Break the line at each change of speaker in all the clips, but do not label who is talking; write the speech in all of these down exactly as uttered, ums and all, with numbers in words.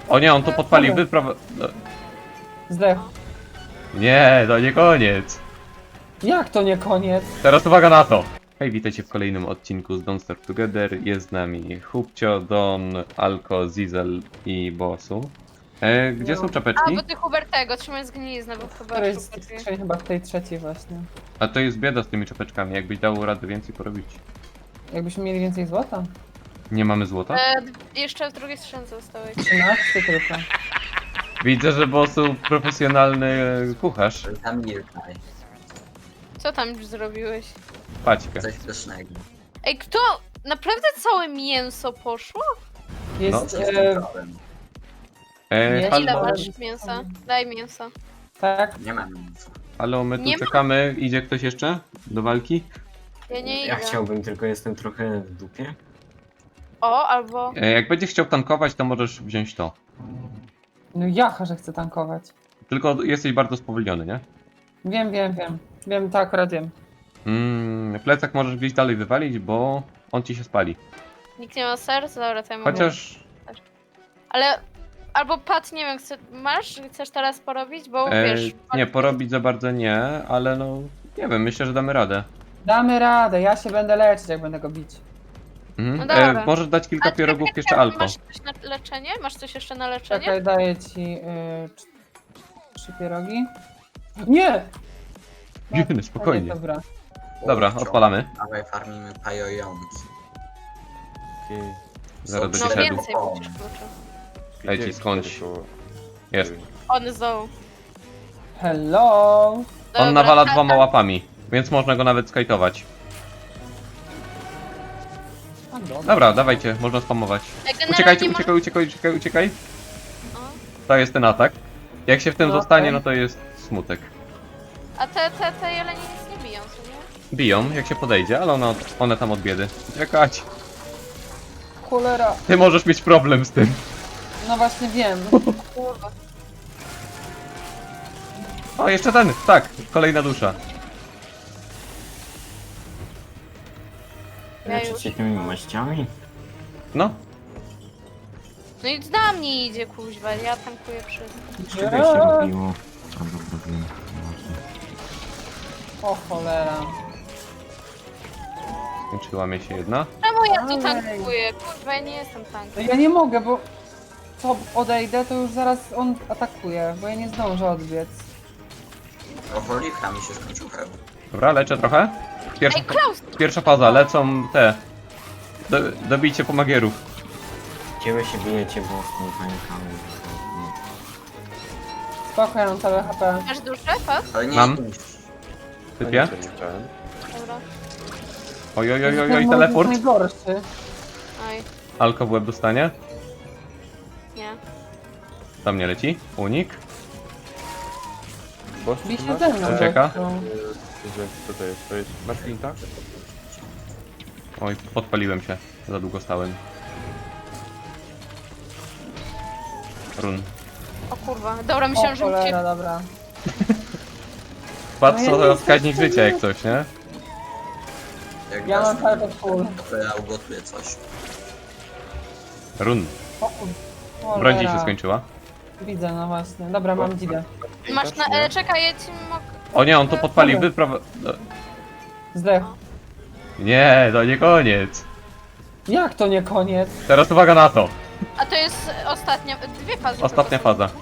O nie, on to podpalił, wypraw... No.
Zdech.
Nie, to nie koniec.
Jak to nie koniec?
Teraz uwaga na to. Hej, witajcie w kolejnym odcinku z Don't Starve Together. Jest z nami Hubcio, Don, Alko, Zizel i Bosu. E, gdzie
No.
są
A,
czapeczki?
bo ty Hubertego, trzymaj zgniliznę, bo chyba
To jest
szukać.
trzej- chyba w tej trzeciej właśnie.
A to jest bieda z tymi czapeczkami, jakbyś dał radę więcej porobić.
Jakbyśmy mieli więcej złota?
Nie mamy złota?
E, jeszcze w drugiej skrzynce zostałeś.
trzynaście tylko.
Widzę, że Bosu profesjonalny kucharz.
Zamilkaj.
Co tam już zrobiłeś?
Paćkę.
Coś pysznego.
Ej, kto? Naprawdę całe mięso poszło?
Jest,
No.
e,
E,
Nie,
halo,
Ile
ale-
masz mięsa? Daj mięso.
tak,
Nie mam nic.
halo, my tu
Nie ma-
czekamy. Idzie ktoś jeszcze do walki?
Ja nie
Ja
idę.
chciałbym, tylko jestem trochę w dupie.
O, albo...
E, jak będziesz chciał tankować, to możesz wziąć to.
no jacha, że chcę tankować.
Tylko jesteś bardzo spowolniony, nie?
Wiem, wiem, wiem. Wiem, tak, akurat wiem.
Mm, plecak możesz gdzieś dalej wywalić, bo on ci się spali.
Nikt nie ma serca? Dobra, to ja mogę.
Chociaż
Ale... Albo Pat, nie wiem, chce... masz? Chcesz teraz porobić? Bo
e,
wiesz...
nie, porobić za bardzo nie, ale no nie wiem, myślę, że damy radę.
Damy radę, ja się będę leczyć, jak będę go bić.
Mhm.
No dobra.
E, możesz dać kilka
A
pierogów
czekaj,
jeszcze
czekaj,
Alko.
Masz coś na leczenie? Masz coś jeszcze na leczenie?
Czekaj, daję ci y, tr- trzy pierogi. Nie!
Dziwny, spokojnie.
Nie, dobra.
Dobra, odpalamy.
Dawaj farmimy pajojąki.
Zaraz
Są
będzie
No
szedł.
więcej będziesz kluczy.
Daj ci skądś. Jest.
On zdoł.
Hello!
On
Dobra,
nawala
a-
dwoma
a-
łapami, więc można go nawet skajtować.
A, dobra.
Dobra, dawajcie, można spamować.
Ej, generalnie
Uciekajcie,
może-
uciekaj, uciekaj, uciekaj, uciekaj.
O.
To jest ten atak. Jak się w tym
No,
zostanie,
okej.
no to jest smutek.
A te, te, te jelenie nic nie biją, co nie?
Biją, jak się podejdzie, ale one, one tam od biedy. Uciekać.
Cholera!
Ty możesz mieć problem z tym.
No właśnie wiem.
Kurwa.
O, jeszcze ten, tak, kolejna dusza.
Ja
Leczyć
już.
się tymi maściami?
No,
No i na mnie idzie kuźwa, ja tankuję wszystko.
Z czego się robiło? A dobra, wiem.
O cholera.
skończyła mi się jedna.
Czemu ja tu
Ojej.
tankuję? Kurwa, ja nie jestem
No
tankiem.
ja nie mogę, bo co odejdę, to już zaraz on atakuje, bo ja nie zdążę odbiec.
Alkoholika mi się skończył hełm.
Dobra, leczę trochę. Pierwsza,
Ej, Klaus!
pierwsza faza, lecą te. Do, dobijcie pomagierów.
Gdzie wy się bijecie, bo z tą panikami.
Spoko, ja mam całe H P.
Masz duszę, Pat?
Ale nie
Mam.
idź.
Typie.
Dobra.
Oj, oj, oj, oj,
Ten
oj,
moment
teleport.
jest najgorszy.
Oj,
Alko w łeb dostanie.
nie.
Tam nie leci. Unik.
Bij się ze mną.
Ucieka.
gościu.
Co to jest? To jest Martinta?
Oj, podpaliłem się. Za długo stałem. Run.
O kurwa. Dobra,
O
myślałam, że
cholera,
uciekł.
dobra.
Patrz,
No ja
co
nie
to
jestem
wskaźnik
w stanie.
życia jak coś, nie?
Jak
Ja
dasz
mam
mi,
cały czas full.
to ja ugotuję coś.
Run.
O kur-
Broń
cholera.
ci się skończyła.
Widzę, no właśnie. Dobra, mam dzidę.
Masz na... E, czekaj, ja ci mogę...
O nie, on to podpalił,
Dobra.
wypraw... no,
Zdech.
Nie, to nie koniec.
Jak to nie koniec?
Teraz uwaga na to.
A to jest ostatnia... Dwie fazy.
Ostatnia
tylko są.
faza.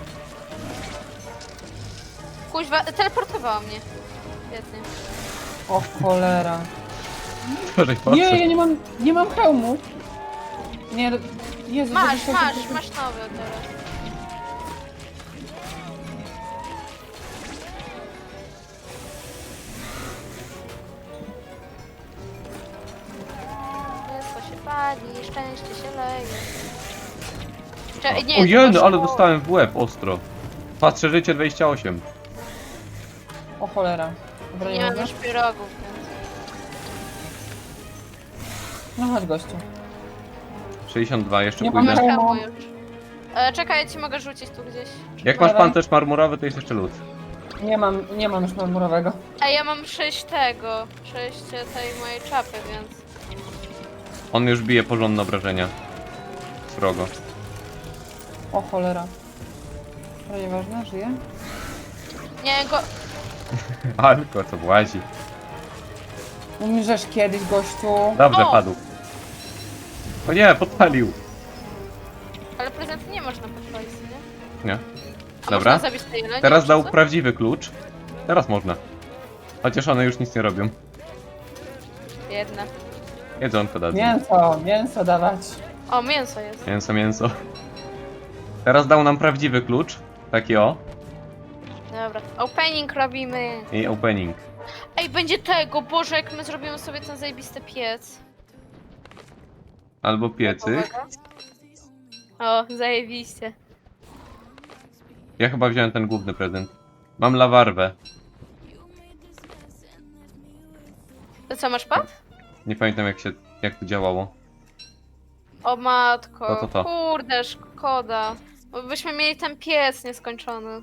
Kuźwa, teleportowała mnie. Świetnie.
O cholera.
Gorzej
Nie,
patrzę.
ja nie mam, nie mam hełmu. Nie, Jezu.
Masz,
żebyś-
masz, masz nowy teraz. Wszystko się pali, szczęście się leje. Cze- nie,
O
to
jeny,
poszło-
ale dostałem w łeb ostro. Patrzę życie dwadzieścia osiem.
O cholera. Dobra,
Nie
nie
mam
mogę.
już pierogów, więc...
No chodź gościu.
sześćdziesiąt dwa, jeszcze
Nie
Masz
mam
pójdę.
hełmu.
hełmu już. E, czekaj, ja ci mogę rzucić tu gdzieś.
Jak masz
Dawaj.
pancerz marmurowy, to jest jeszcze lód.
Nie mam, nie mam już marmurowego.
A ja mam sześć tego, sześć tej mojej czapy, więc...
On już bije porządne obrażenia. Srogo.
O cholera. Ale nieważne, żyje?
Nie, go...
Alko, co włazi.
Umrzesz kiedyś, gościu.
Dobrze,
O!
padł. O nie, podpalił.
Ale prezenty nie można podpalić, nie?
Nie.
A
Dobra.
można zabić te jelenie?
Teraz
czy
dał
co?
prawdziwy klucz. Teraz można. Chociaż one już nic nie robią.
Jedna.
Jedzonko dadzą.
Mięso, mięso dawać.
O, mięso jest.
Mięso, mięso. Teraz dał nam prawdziwy klucz. Taki o.
Dobra. Opening robimy.
I opening.
Ej, będzie tego, Boże, jak my zrobimy sobie ten zajebisty piec.
Albo piecyk.
O, zajebiście.
Ja chyba wziąłem ten główny prezent. Mam lawarwę.
To co, masz pad?
Nie pamiętam jak się, jak to działało.
O matko.
To, to, to.
Kurde, szkoda. Bo byśmy mieli ten piec nieskończony.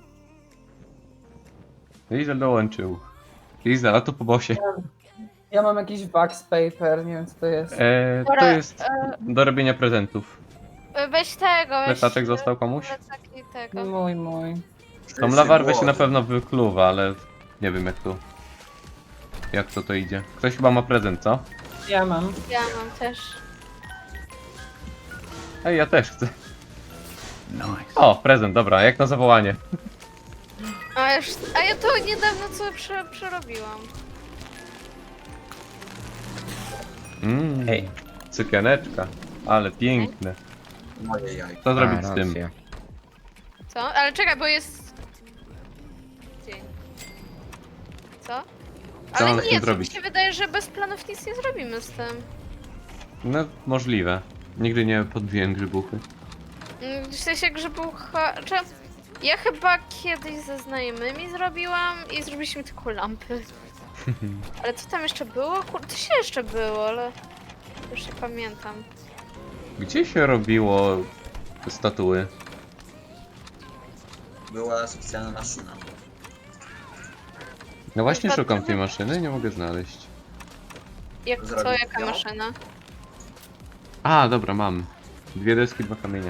Lizel dołączył. Lizel, a to po bosie.
Ja mam jakiś wax paper, nie wiem co to jest.
E, to
Dobra,
jest do robienia prezentów.
E, Weź tego, weź...
Plecaczek został komuś?
Plecaki tego.
Mój, mój.
Tą lawarwę się na pewno wykluwa, ale nie wiem jak to... Jak to to idzie. Ktoś chyba ma prezent, co?
Ja mam.
Ja mam też.
Ej, ja też chcę. O, prezent, dobra, jak na zawołanie.
A, już, a ja to niedawno co prze, przerobiłam.
Mmm,
Ej.
cykieneczka. Ale piękne.
Moje jaj.
Co zrobić
A,
z tym?
racja.
Co? Ale czekaj, bo jest... Dzień. Co?
Co
Ale
mamy z
nie,
tym
to
zrobić?
mi się wydaje, że bez planów nic nie zrobimy z tym.
No, możliwe. Nigdy nie podbiłem grzybuchy.
Mm, W sensie grzybucha... Czy... Ja chyba kiedyś ze znajomymi zrobiłam i zrobiliśmy tylko lampy. Ale co tam jeszcze było? Kurde, to się jeszcze było, ale... Już nie pamiętam.
Gdzie się robiło te statuły?
Była specjalna maszyna.
No właśnie
Statuły?
szukam tej maszyny, nie mogę znaleźć.
Jak co,
Zrobić
jaka
ją?
maszyna?
A, dobra, mam. Dwie deski, dwa kamienie.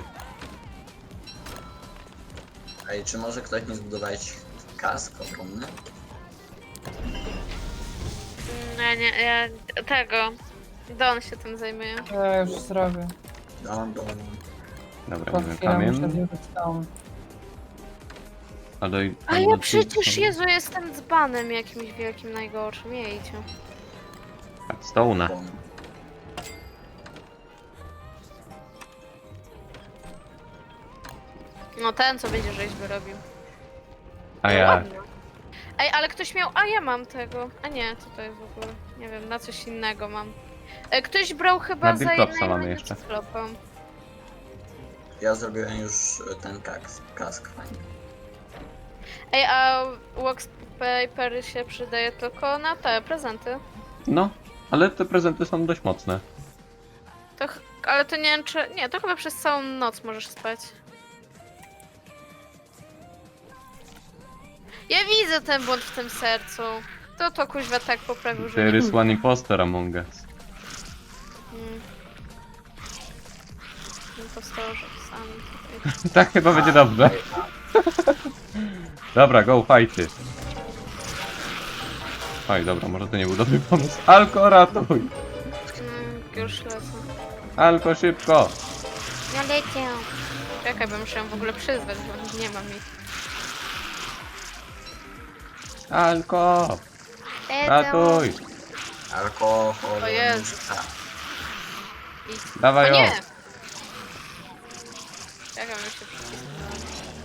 Ej, czy może ktoś mi zbudować kask ogromny?
Nie, nie, ja... Tego... Don się tym zajmuje.
Ja już zrobię.
Dom, dom.
Dobra,
Po
nie wiem,
chwilę muszę
kamień.
zjeść tam.
A, do,
A ja przecież, Jezu, jestem dzbanem jakimś wielkim, najgorszym, jejcie.
Stołna.
dom.
No ten, co będzie rzeźby robił.
A
No
ja.
ładnie. Ej, ale ktoś miał... A ja mam tego. A nie, co to jest w ogóle? Nie wiem, na coś innego mam. E, Ktoś brał chyba
Na
za
Billclopsa
jednego
mamy jeszcze.
Billclopa.
Ja zrobiłem już ten kask. kask fajny.
Ej, a wax paper się przydaje tylko na te prezenty.
No, ale te prezenty są dość mocne.
To, ch- ale to nie wiem czy... Nie, to chyba przez całą noc możesz spać. Ja widzę ten błąd w tym sercu. To to kuźwa tak poprawił, że
There
nie...
is one imposter among us.
Mm. Impostorzy sami tutaj.
Tak chyba będzie dobrze. Dobra, go, fighty. Oj, dobra, może to nie był dobry pomysł. Alko, ratuj!
Mm, już lecę.
Alko, szybko!
Ja lecę. Czekaj, bo muszę ją w ogóle przyzwać, bo nie mam ich.
Alko! Ratuj!
Alkohol.
O Jezu.
muzyka.
I...
Dawaj
O
ją!
nie! Czekam, już się przycisnę.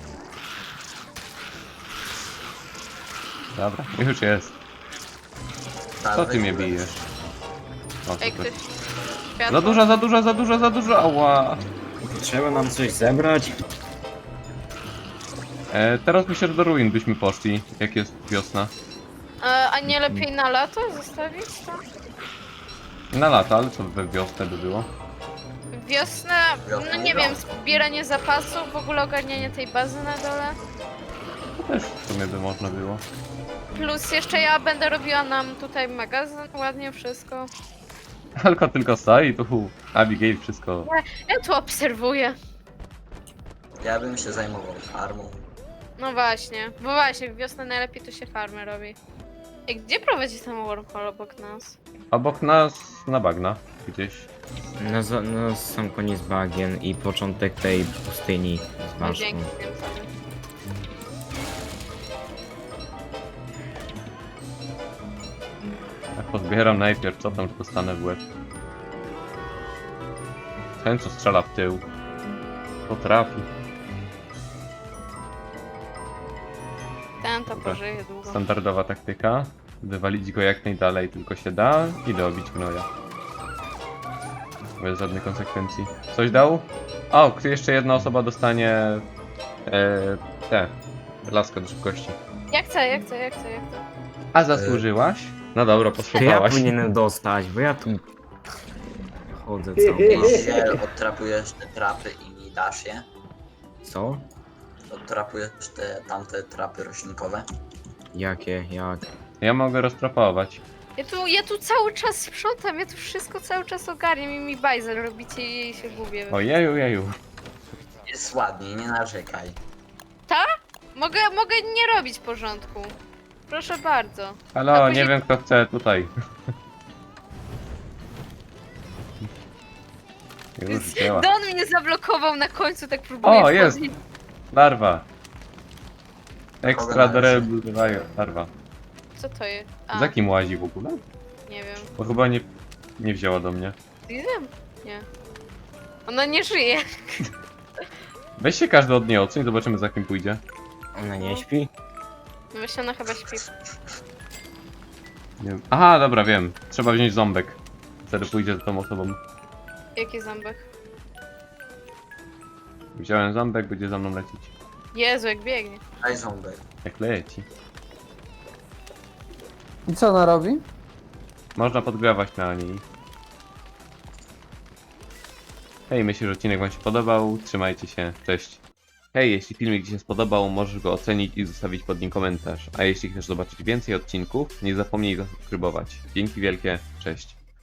Dobra, już jest. Co ty mnie bijesz? O,
Ej,
super.
ktoś... Światło?
Za dużo, za dużo, za dużo, za dużo, ała!
Trzeba nam coś zebrać.
E, teraz myślę, że do ruin byśmy poszli, jak jest wiosna.
E, a nie lepiej na lato zostawić to?
Na lata, ale co we wiosnę by było?
Wiosnę, no nie wiem, zbieranie zapasów, w ogóle ogarnianie tej bazy na dole.
To też w sumie by można było.
Plus jeszcze ja będę robiła nam tutaj magazyn, ładnie wszystko.
Alko tylko stoi, tu Abigail wszystko.
Ja tu obserwuję.
Ja bym się zajmował farmą.
No właśnie, bo właśnie, w wiosnę najlepiej to się farmy robi. I gdzie prowadzi ten wormhole obok nas?
Obok nas na bagna gdzieś.
Na, za- na sam koniec bagien i początek tej pustyni z
No
baszką.
dzięki tym sobie.
Ja pozbieram najpierw, co tam dostanę w łeb. Ten, co strzela w tył. To trafi.
Ten to
Dobra.
pożyje długo.
Standardowa taktyka. Wywalić go jak najdalej tylko się da i dobić gnoja. Bez żadnych konsekwencji. Coś dał? O, kto- jeszcze jedna osoba dostanie e, te laskę do szybkości.
Jak chcę, jak chcę, jak chcę, jak chcę.
A zasłużyłaś? No dobra,
To ja
posłuchałaś.
powinienem dostać, bo ja tu chodzę cały czas.
Ziel, odtrapujesz te trapy i mi dasz je.
Co?
Odtrapujesz te tamte trapy roślinkowe.
Jakie? Jak?
Ja mogę roztrapować.
Ja tu, ja tu cały czas sprzątam, ja tu wszystko cały czas ogarniam i mi bajzel robicie i się gubię.
Ojeju, jeju.
Jest ładnie, nie narzekaj.
Mogę, mogę nie robić porządku. Proszę bardzo. A
Halo,
później-
nie wiem kto chce tutaj. Już działa.
Don mnie zablokował na końcu, tak próbuję
O, jest!
wchodzić.
Larwa. Extra
Kogo należy?
durable larwa.
Co to jest? A,
Za kim łazi w ogóle?
nie wiem.
Bo chyba nie, nie wzięła do mnie.
Diesel? Nie. Ona nie żyje.
Weź się każdy od niej oceń, zobaczymy za kim pójdzie.
Ona nie śpi?
No właśnie ona chyba śpi.
Nie wiem. Aha, dobra, wiem. Trzeba wziąć ząbek. Wtedy pójdzie za tą osobą.
Jaki ząbek?
Wziąłem ząbek, będzie za mną lecieć.
Jezu, jak biegnie.
Daj ząbek.
Jak leci.
I co ona robi?
Można podgrywać na niej. Hej, myślę, że odcinek wam się podobał. Trzymajcie się, cześć. Hej, jeśli filmik ci się spodobał, możesz go ocenić i zostawić pod nim komentarz. A jeśli chcesz zobaczyć więcej odcinków, nie zapomnij zasubskrybować. Dzięki wielkie, cześć.